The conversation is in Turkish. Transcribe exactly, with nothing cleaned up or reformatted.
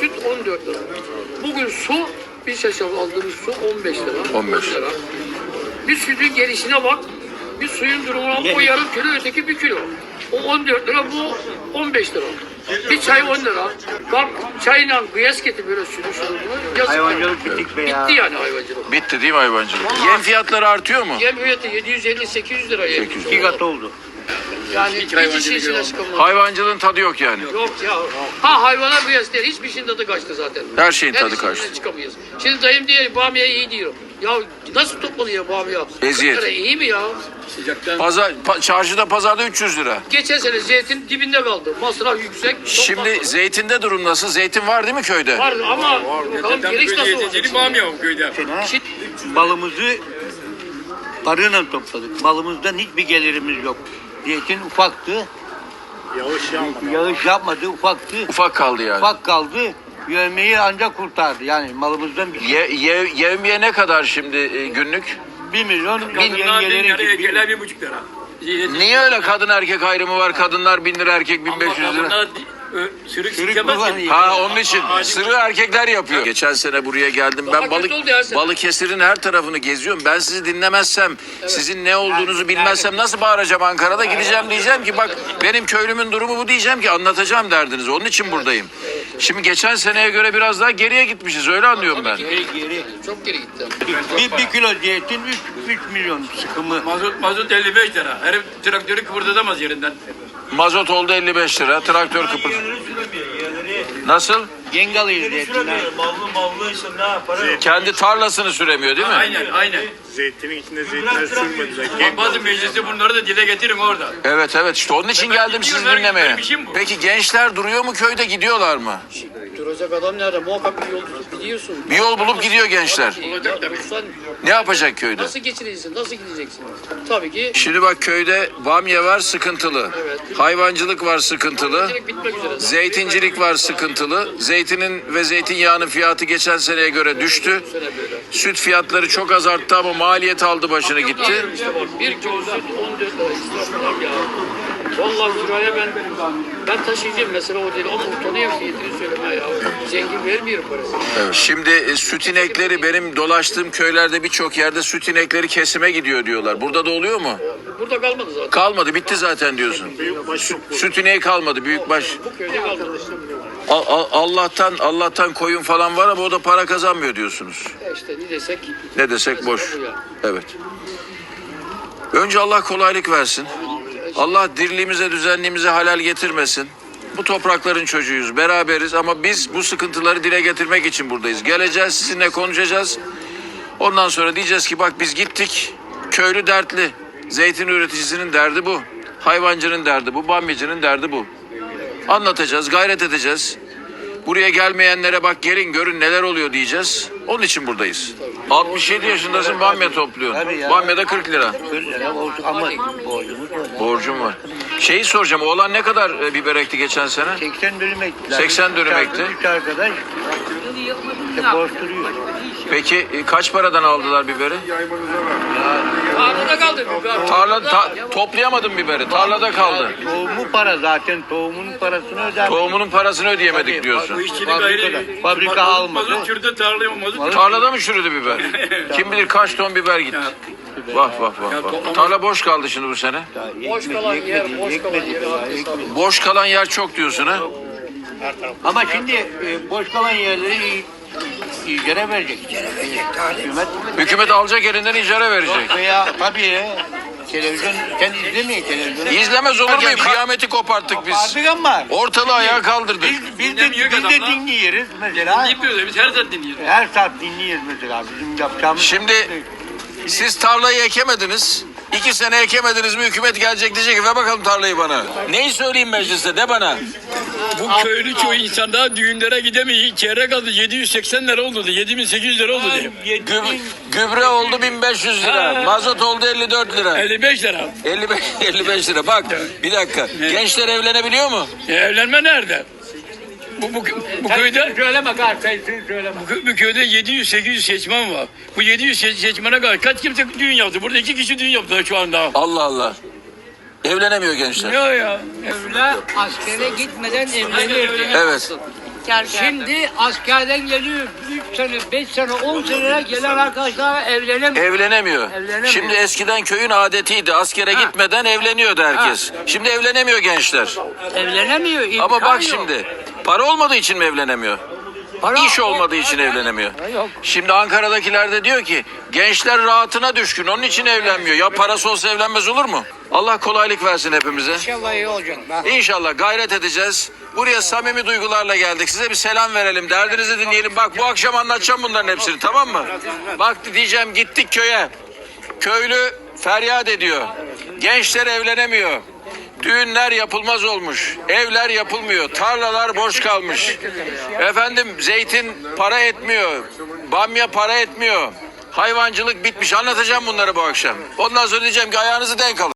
süt on dört lira. Bugün su, bir şaşal aldığımız su on beş lira. on beş lira. Bir sütün gelişine bak. Bir suyun durumuna o yarım kilo, öteki bir kilo. O on dört lira, bu on beş lira. Bir çay on lira. Bak çayla kıyas getir böyle sütü şunu bunu. Yazık. Hayvancılık bittik be ya. Bitti yani hayvancılık. Bitti değil mi hayvancılık? Yem fiyatları artıyor mu? Yem fiyatı yedi yüz elli sekiz yüz lira yem. sekiz yüz. İki kat oldu. Yani hiç işin içine çıkamaz. Hayvancılığın tadı yok yani. Yok ya. Ha hayvana kıyas değil. Hiçbir şeyin tadı kaçtı zaten. Her şeyin tadı işin kaçtı. içine çıkamayız. Şimdi dayım diyor bamya iyi diyor. Ya nasıl toplanıyor bamya? Eziyet. kırk lira iyi mi ya? Pazar, pa, çarşıda pazarda üç yüz lira. Geçen sene zeytin dibinde kaldı. Masraf yüksek. Şimdi toplanmadı. zeytinde durum nasıl? Zeytin var değil mi köyde? Var ama bakalım geliş nasıl olacak? Sene Çit- balımızı arıyla topladık. Balımızdan hiçbir gelirimiz yok. Zeytin ufaktı. Yağış yapmadı. Yağış yapmadı, ufaktı. Ufak kaldı yani. Ufak kaldı. Yövmeyi ancak kurtardı. Yani malımızdan bir şey. Ye, ye, yevmiye ne kadar şimdi e, günlük? Bir milyon bin Kadınlar bin yengeleri lira, için. erkekler bir buçuk lira. Niye öyle kadın erkek ayrımı var? Kadınlar bin lira, erkek bin beş yüz lira. Kadınlar ö, sürük Sürük sikemez ki. kullanıyor. Ha onun için sırrı erkekler yapıyor. Geçen sene buraya geldim. Daha Ben balık kötü oldu ya sen. Balıkesir'in her tarafını geziyorum. Ben sizi dinlemezsem, sizin ne olduğunuzu bilmezsem nasıl bağıracağım Ankara'da? Gideceğim diyeceğim ki bak benim köylümün durumu bu diyeceğim ki anlatacağım derdinizi. Onun için buradayım. Şimdi geçen seneye göre biraz daha geriye gitmişiz. Öyle anlıyorum ben. Geri geri. Çok geri gitti. Bir, bir kilo zeytin üç, üç milyon sıkımı. Mazot, mazot elli beş lira. Herif traktörü kıpırdatamaz yerinden. Mazot oldu elli beş lira. Traktör kıpır. Nasıl? Yengalıyız zeytinler. Mallı mallı işte ne yapar? Kendi tarlasını süremiyor değil mi? Aynen aynen. Zeytinin içinde zeytinler sürmediler. Bak bazı mecliste bunları da dile getirin orada. Evet evet işte onun için Ben geldim sizi gidiyorum, dinlemeye. benim işim bu. Peki gençler duruyor mu köyde, gidiyorlar mı? Duracak adam nerede? Muhakkak bir yol tutup gidiyorsun. Bir yol bulup gidiyor gençler. Olacak tabii. Sen Ne yapacak köyde? nasıl geçineceksin? Nasıl gideceksin? Tabii ki Şimdi bak köyde bamya var sıkıntılı. Evet. Hayvancılık var sıkıntılı. direkt bitmek üzere. Zeytincilik var sıkıntılı. Zeytinin ve zeytinyağının fiyatı geçen seneye göre düştü. Süt fiyatları çok az arttı ama maliyet aldı başını gitti. İşte bak bir kilo süt on dört lira israflar ya. Vallahi şuraya ben ben taşıyacağım mesela o değil ama utanıyorum fiyatını söyleme ya. Zengin vermiyor parasını. Evet. Şimdi e, süt inekleri benim dolaştığım köylerde birçok yerde süt inekleri kesime gidiyor diyorlar. Burada da oluyor mu? Burada kalmadı zaten. Kalmadı, bitti zaten diyorsun. Sü- Süt ineği kalmadı, büyükbaş. Bu köyde kalmadı. Al- al- Allah'tan Allah'tan koyun falan var ama o da para kazanmıyor diyorsunuz. E işte ne desek. Ne desek boş. Bu ya. Evet. Önce Allah kolaylık versin. Allah dirliğimize, düzenliğimize halal getirmesin. Bu toprakların çocuğuyuz, beraberiz ama biz bu sıkıntıları dile getirmek için buradayız. Geleceğiz, sizinle konuşacağız. Ondan sonra diyeceğiz ki bak biz gittik, köylü dertli. Zeytin üreticisinin derdi bu. Hayvancının derdi bu, bamyacının derdi bu. Anlatacağız, gayret edeceğiz. Buraya gelmeyenlere bak gelin görün neler oluyor diyeceğiz. Onun için buradayız. altmış yedi yaşındasın, bamya topluyorsun. Tabii ya. Bamya'da kırk lira. kırk lira oldu ama borcumuz var. Borcum var. Şeyi soracağım, oğlan ne kadar e, biber ekti geçen sene? seksen dönüm ektiler. seksen dönüm Üç ekti. Üç arkadaş işte borç duruyor. Peki e, kaç paradan aldılar biberi? Tarlada kaldı. Tarla ta- toplayamadım biberi. Tarlada kaldı. Tohumu para zaten. Tohumun parasını öder. Tohumunun parasını ödeyemedik Tabii, diyorsun. Bu işçilik Fabrikada. ayrı. Fabrika Mazot- almadı. Mazot çürüdü tarlaya mazot. Tarlada mı çürüdü biber? Kim bilir kaç ton biber gitti. Vah vah vah vah. Tarla boş kaldı şimdi bu sene. Boş kalan yer, boş kalan yer. herkes alıyor. Boş kalan yer çok diyorsun ha? Ama şimdi e, boş kalan yerleri icra verecek. Hükümet Hükümet alacak elinden icara verecek. veya tabii televizyon sen izlemeyin televizyonu. İzlemez olur muyum? Kıyameti koparttık biz. Artık ama Ortalığı ayağa kaldırdık. biz, biz de, Dinlemiyor biz de adamlar. dinliyoruz mesela. Dinliyoruz biz her zaman dinliyoruz. Her saat dinliyoruz mesela bizim yapacağımız. Şimdi siz tarlayı ekemediniz. İki sene ekemediniz mi hükümet gelecek diyecek ki ver bakalım tarlayı bana. Neyi söyleyeyim mecliste de bana. Bu köylü çoğu insan daha düğünlere gidemiyor. Çeyrek aldı yedi yüz seksen lira oldu. yedi bin sekiz yüz lira oldu diye. Gü- gübre oldu bin beş yüz lira. Mazot oldu elli dört lira. elli beş lira. elli beş, elli beş lira. Bak bir dakika. Gençler evlenebiliyor mu? E, evlenme nerede? Bu, bu, bu köyde Söyleme kar sayısını söyleme. bu, kö- bu köyde yedi yüz sekiz yüz seçmen var. Bu yedi yüz se- seçmene kadar kaç kimse düğün yaptı? Burada iki kişi düğün yaptılar şu anda. Allah Allah. Evlenemiyor gençler. Ya ya. Evle askere gitmeden evlenir. Evet. Şimdi askerden geliyor üç sene, beş sene, on sene gelen arkadaşlar evlenemiyor. Evlenemiyor. Evlenemiyor. Şimdi eskiden köyün adetiydi. Askere gitmeden evleniyordu herkes. Şimdi evlenemiyor gençler. Evlenemiyor. Ama imkan bak yok. şimdi para olmadığı için mi evlenemiyor? Para İş olmadığı için evlenemiyor. Şimdi Ankara'dakiler de diyor ki gençler rahatına düşkün onun için evlenmiyor. Ya parası olsa evlenmez olur mu? Allah kolaylık versin hepimize. İnşallah iyi olacak. İnşallah gayret edeceğiz. Buraya samimi duygularla geldik. Size bir selam verelim. Derdinizi dinleyelim. Bak bu akşam anlatacağım bunların hepsini, tamam mı? Bak diyeceğim gittik köye. Köylü feryat ediyor. Gençler evlenemiyor. Düğünler yapılmaz olmuş. Evler yapılmıyor. Tarlalar boş kalmış. Efendim zeytin para etmiyor. Bamya para etmiyor. Hayvancılık bitmiş. Anlatacağım bunları bu akşam. Ondan sonra diyeceğim ki ayağınızı denk alın.